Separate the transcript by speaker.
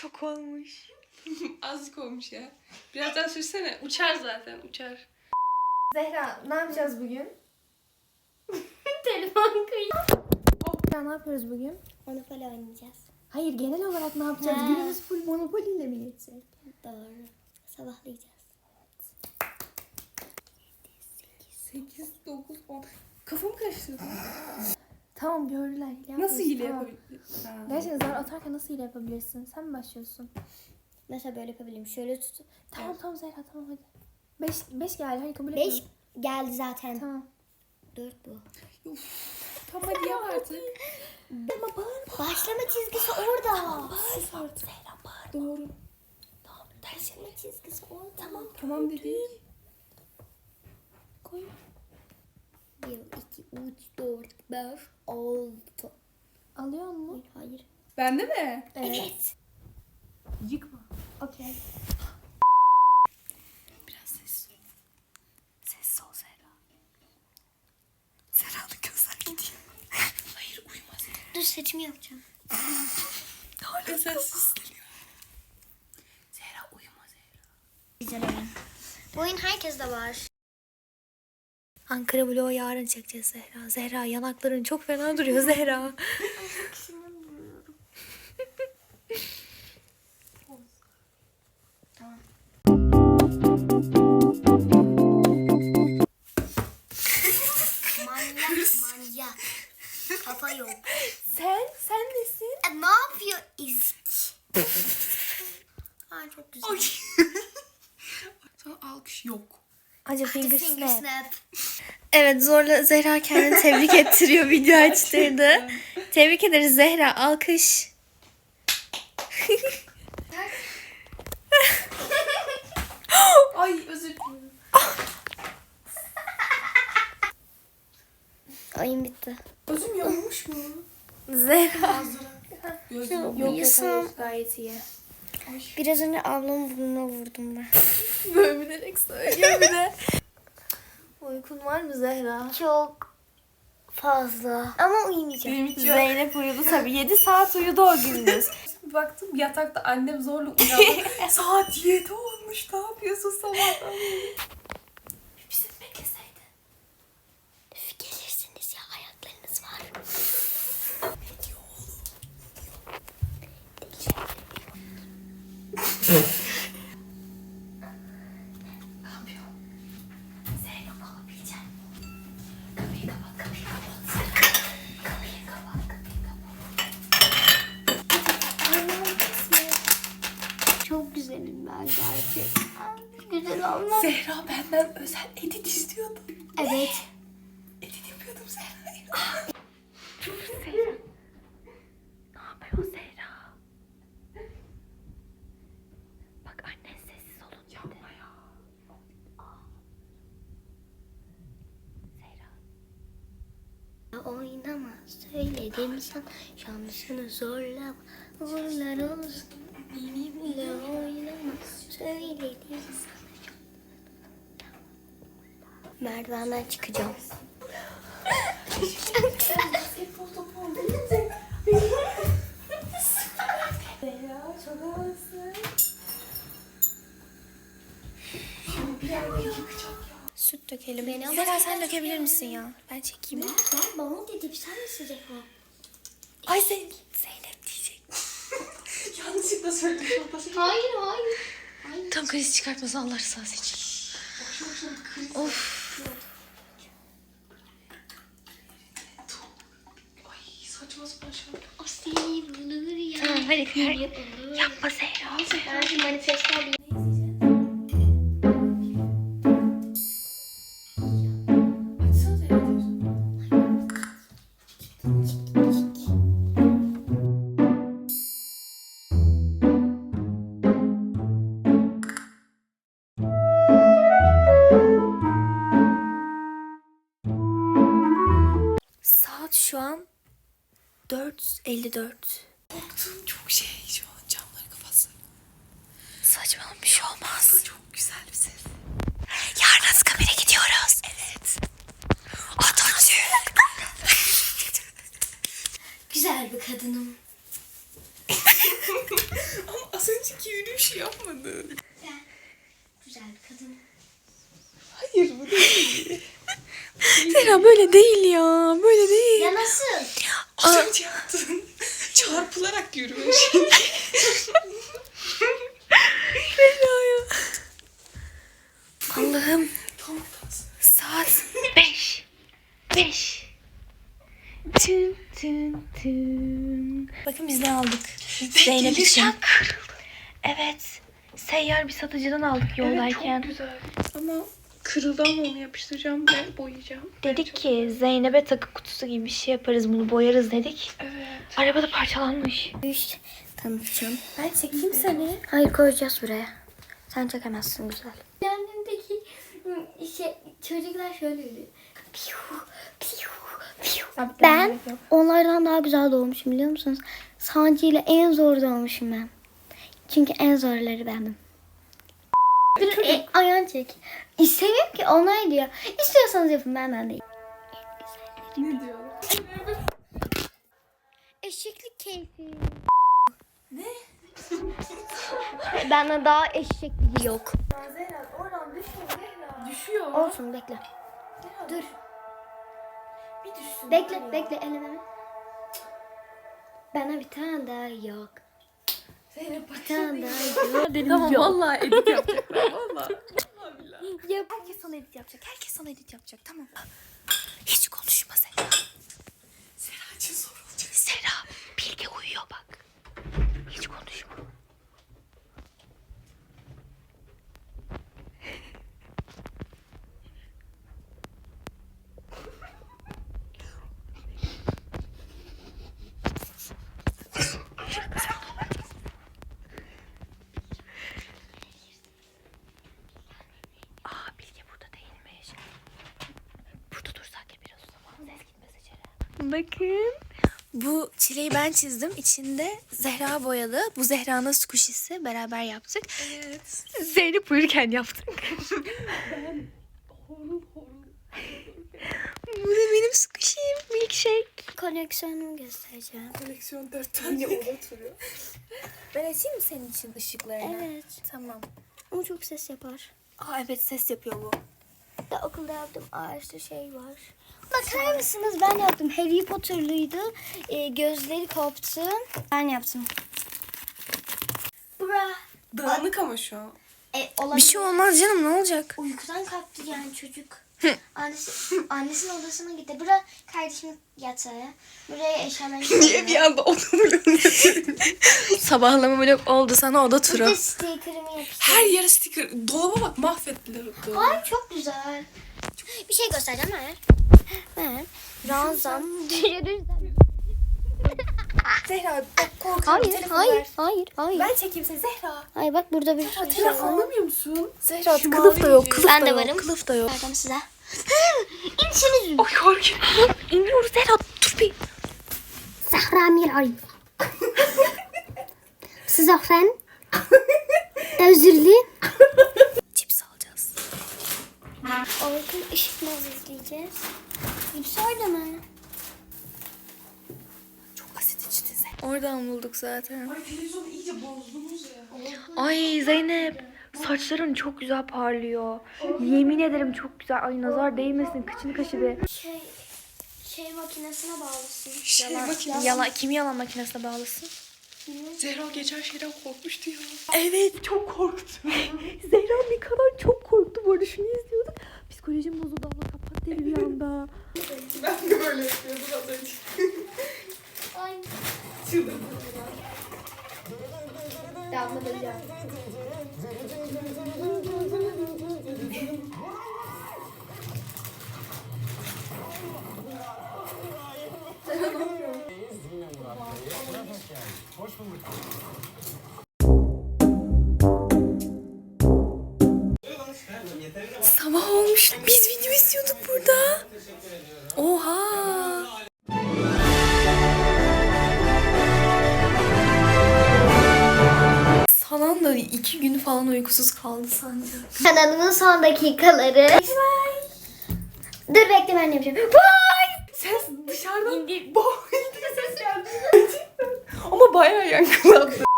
Speaker 1: Çok olmuş.
Speaker 2: Azıcık olmuş ya. Biraz daha sürsene. Uçar zaten, uçar.
Speaker 1: Zehra ne yapacağız bugün?
Speaker 3: Telefon kayıp.
Speaker 1: Ya ne yapıyoruz bugün?
Speaker 3: Monopoly oynayacağız.
Speaker 1: Hayır genel olarak ne yapacağız?
Speaker 3: Ha.
Speaker 1: Günümüz full Monopoly ile mi geçecek?
Speaker 3: Doğru. Sabahlayacağız.
Speaker 2: 8, 9, 10. Kafamı karıştırdı.
Speaker 1: Tamam gördüler.
Speaker 2: Nasıl hile
Speaker 1: Tamam.
Speaker 2: yapabilirsin?
Speaker 1: Gerçekten zar atarken nasıl hile yapabilirsin? Sen mi başlıyorsun?
Speaker 3: Mesela böyle yapabilirim. Şöyle tut.
Speaker 1: Tamam tamam Zehra tamam hadi. 5 geldi hadi kabul
Speaker 3: 5
Speaker 1: etmiyorum.
Speaker 3: geldi zaten.
Speaker 1: Tamam.
Speaker 3: 4 bu.
Speaker 2: Tamam hadi yap artık.
Speaker 1: Ama bağırma.
Speaker 3: Başlama çizgisi orada.
Speaker 1: Sus artık. Zehra bağırma.
Speaker 2: Doğru.
Speaker 1: Tamam
Speaker 3: Başlama çizgisi orada.
Speaker 1: Tamam.
Speaker 2: Tamam dedik.
Speaker 1: Koy.
Speaker 3: 1, 2, 3, 4, 5, 6.
Speaker 1: Alıyor mu?
Speaker 3: Hayır.
Speaker 2: Bende mi?
Speaker 3: Evet.
Speaker 1: Yıkma. Okey.
Speaker 2: Biraz sessiz ol. Sessiz ol Zehra. Zehra'nın gözler gidiyor. Hayır uyumaz.
Speaker 3: Dur saçımı yapacağım.
Speaker 2: Hala sessiz geliyor. Zehra uyuma Zehra.
Speaker 3: Güzel oyun. Bu oyun herkeste var.
Speaker 1: Ankara vlogu yarın çekeceğiz Zehra. Zehra yanakların çok fena duruyor Zehra.
Speaker 3: Tamam. Manyak. Kafa yok.
Speaker 1: Sen nesin?
Speaker 3: Ne yapıyor İzç? Ay çok güzel.
Speaker 2: Sana alkış yok.
Speaker 1: Acı finger
Speaker 3: Finger
Speaker 1: snap.
Speaker 3: snap.
Speaker 1: Evet zorla Zehra kendini tebrik ettiriyor, video açtırdı. Tebrik ederiz Zehra, alkış.
Speaker 2: Ay özür dilerim.
Speaker 3: Oyun bitti.
Speaker 2: Özüm yanmış mı?
Speaker 1: Zehra.
Speaker 2: Gözüm
Speaker 1: Yok yok
Speaker 3: Uyusun.
Speaker 1: hayır, gayet iyi.
Speaker 3: Biraz önce ablamın burnuna vurdum ben.
Speaker 1: Böyle bilerek söylüyor bir de. Uykun var mı Zehra?
Speaker 3: Çok fazla. Ama uyumayacağım.
Speaker 2: Benim hiç yok.
Speaker 1: Zeynep uyudu tabii. 7 saat uyudu o gündüz.
Speaker 2: Bir baktım yatakta annem zorla uyandı. Saat 7 olmuş. Ne yapıyorsun sabahtan beri?
Speaker 1: Bizi bekleseydin.
Speaker 3: Gelirsiniz ya ayaklarınız var.
Speaker 1: Ne yapıyor? Zeynep alabilecek. Kapıyı kapat, kapıyı kapat. Kapıyı kapat, kapıyı kapat.
Speaker 3: Çok güzelim ben gerçekten. Güzel olmaz.
Speaker 2: Zehra benden özel edit istiyordu.
Speaker 3: Evet.
Speaker 2: Edit yapıyordum Zehra'ya.
Speaker 1: Zehra. Ne yapıyor Zehra? Bak annen sessiz olun dedi.
Speaker 2: Yapma ya.
Speaker 1: Zehra.
Speaker 3: Oynama söyledim sana şansını zorlama uğurlar olsun benimle oynama söyledim sana. Merdivenden çıkacağım.
Speaker 2: Basketbol topu oldu. Zehra çok havasın. Şimdi bir yerden çıkacak ya.
Speaker 1: Süt dökelim.
Speaker 3: Beni ama
Speaker 1: Zehra
Speaker 3: sen
Speaker 1: sen dökebilir misin ya? Ben çekeyim.
Speaker 3: Ben babam dedim sen mi sıcak o?
Speaker 1: Ay Zeynep diyecek.
Speaker 2: Yanlışlıkla söyledim.
Speaker 3: Hayır.
Speaker 1: Tam kriz çıkartmasın Allah rızası için. Of.
Speaker 2: Ay saçma sapan şey.
Speaker 3: O seni bulur ya.
Speaker 1: Tamam hadi. Yapma Zehra.
Speaker 3: Ben şu manifesto alayım.
Speaker 2: Açsana Zehra.
Speaker 1: Saat şu an 4:54.
Speaker 2: Korktum çok şey şu an camları kapatsın.
Speaker 1: Saçmalama bir şey olmaz.
Speaker 2: Çok güzel bir ses.
Speaker 1: Yarın Anıtkabir'e gidiyoruz. Evet. Atatürk.
Speaker 3: Güzel bir kadınım.
Speaker 2: Ama Az önceki yürüyüşü yapmadın.
Speaker 3: Güzel bir kadın.
Speaker 2: Hayır bu değil.
Speaker 1: Zehra böyle değil ya. Böyle değil.
Speaker 3: Ya nasıl?
Speaker 2: Az önce yaptın. Çarpılarak yürümüş.
Speaker 1: Allah'ım.
Speaker 2: Tam kalsın.
Speaker 1: Saat 5. 5. Tün tün tün. Bakın biz ne aldık? Zeynep için. Evet. Seyyar bir satıcıdan aldık yoldayken.
Speaker 2: Çok güzel. Ama kırıldı ama onu yapıştıracağım ve boyayacağım.
Speaker 1: Dedik ki Zeynep'e takı kutusu gibi bir şey yaparız, bunu boyarız dedik.
Speaker 2: Evet.
Speaker 1: Arabada parçalanmış.
Speaker 3: Tanıtacağım.
Speaker 1: Ben çekeyim seni.
Speaker 3: Hayır, koyacağız buraya. Sen çekemezsin güzel. Yanındaki çocuklar şöyle yürüyor. Ben onlardan daha güzel doğmuşum biliyor musunuz? Sancı ile en zor doğmuşum ben. Çünkü en zorları benim. Ayağını çek. İstemiyorum ki onlar diyor. İstiyorsanız yapın, ben değil.
Speaker 2: Ne diyor?
Speaker 3: Eşeklik keyfi. Ne? Benden daha eşekliği yok.
Speaker 2: Zehra oradan düşüyor Zehra. Düşüyor.
Speaker 3: Olsun, bekle. Dur.
Speaker 2: Bir düşsün.
Speaker 3: Bekle elime. Bana bir tane daha yok.
Speaker 2: Zeynep
Speaker 3: Bir tane daha yok.
Speaker 2: Tamam vallahi edit yapacaklar vallahi.
Speaker 3: Yap.
Speaker 1: Herkes sana edit yapacak. Herkes sana edit yapacak. Tamam. Hiç konuşma Zehra.
Speaker 2: Zehra için zor olacak.
Speaker 1: Zehra, Bilge uyuyor bak. Hiç konuşma. Aa, Bilge burada değilmiş. Burada dursak ya biraz o zaman. Ses gitmez içeri. Bakın. Bu çileği ben çizdim. İçinde Zehra boyadı. Bu Zehra'nın squishy'si. Beraber yaptık.
Speaker 2: Evet.
Speaker 1: Zeynep uyurken yaptık.
Speaker 2: Ben horul.
Speaker 1: Bu da benim squishy'im. Milkshake.
Speaker 3: Koleksiyonumu göstereceğim.
Speaker 2: Koleksiyon 4 tane oda oturuyor.
Speaker 1: Ben açayım mı senin için ışıklarını?
Speaker 3: Evet.
Speaker 1: Tamam.
Speaker 3: Ama çok ses yapar.
Speaker 1: Aa evet, ses yapıyor bu.
Speaker 3: Da okulda yaptığım ağaçlı şey var. Bakar mısınız? Ben yaptım. Harry Potter'lıydı. Gözleri koptu. Ben yaptım. Bra.
Speaker 2: Dağınık ama şu an.
Speaker 1: Bir şey olmaz canım, ne olacak?
Speaker 3: Uykudan kalktı yani çocuk. Annesinin odasına gitti. Bura kardeşimin yatağı. Buraya eşyalarını
Speaker 2: Niye bir anda odamı yönetiyorum?
Speaker 1: Sabahlama blok oldu sana, oda turu.
Speaker 3: Burada sticker'ımı yapıştırdım.
Speaker 2: Her yere sticker. Dolaba bak mahvettiler o dolabı.
Speaker 3: Ay çok güzel. Bir şey göstereceğim ver. Ver. Ranzam.
Speaker 1: Zehra bak, korkuyorum.
Speaker 3: Hayır.
Speaker 1: Ben çekeyim seni Zehra.
Speaker 3: Hayır bak burada bir şey
Speaker 2: Zehra
Speaker 3: var.
Speaker 2: anlamıyor musun?
Speaker 1: Zehra
Speaker 2: Şu
Speaker 1: kılıf da yok.
Speaker 2: mavi
Speaker 1: Kılıf
Speaker 3: Ben
Speaker 1: da
Speaker 3: de
Speaker 1: yok.
Speaker 3: varım.
Speaker 1: Kılıf da yok.
Speaker 3: Verdim size. İnsiniz.
Speaker 1: Ay korkuyorum. İniyoruz Zehra, dur bir.
Speaker 3: Zahra Miray. Zahran. Özürlü.
Speaker 1: Cips alacağız.
Speaker 3: Orkun Işıkmaz izleyeceğiz. Hepsi orada mı?
Speaker 1: Çok asit içti Zehra. Oradan bulduk zaten.
Speaker 2: Ay televizyonu iyice bozdunuz ya.
Speaker 1: Ay Zeynep, saçların çok güzel parlıyor. Yemin ederim çok güzel. Ay nazar değmesin, kıçını kaşı be.
Speaker 3: Şey makinesine bağlısın.
Speaker 1: Yalan, kimi yalan makinesine bağlısın?
Speaker 2: Zehra geçen şeyden korkmuştu ya.
Speaker 1: Evet, çok korktum. Zehra ne kadar çok korktu. Bu arada şunu izliyorduk. Psikolojim bozuldu, abla kapat dedi bir anda.
Speaker 2: Ben de böyle yapıyordum az önce.
Speaker 3: Ay.
Speaker 2: Çıldırdım.
Speaker 3: Damlalayacağım.
Speaker 1: Sabah olmuş. Biz video izliyorduk burada. Oha. Sanan da 2 gün falan uykusuz kaldı sanki.
Speaker 3: Kanalımın son dakikaları. Dur bekle, ben yapacağım. Vay!
Speaker 2: Ses dışarıdan ses geldi. Ama bayağı yankılandı.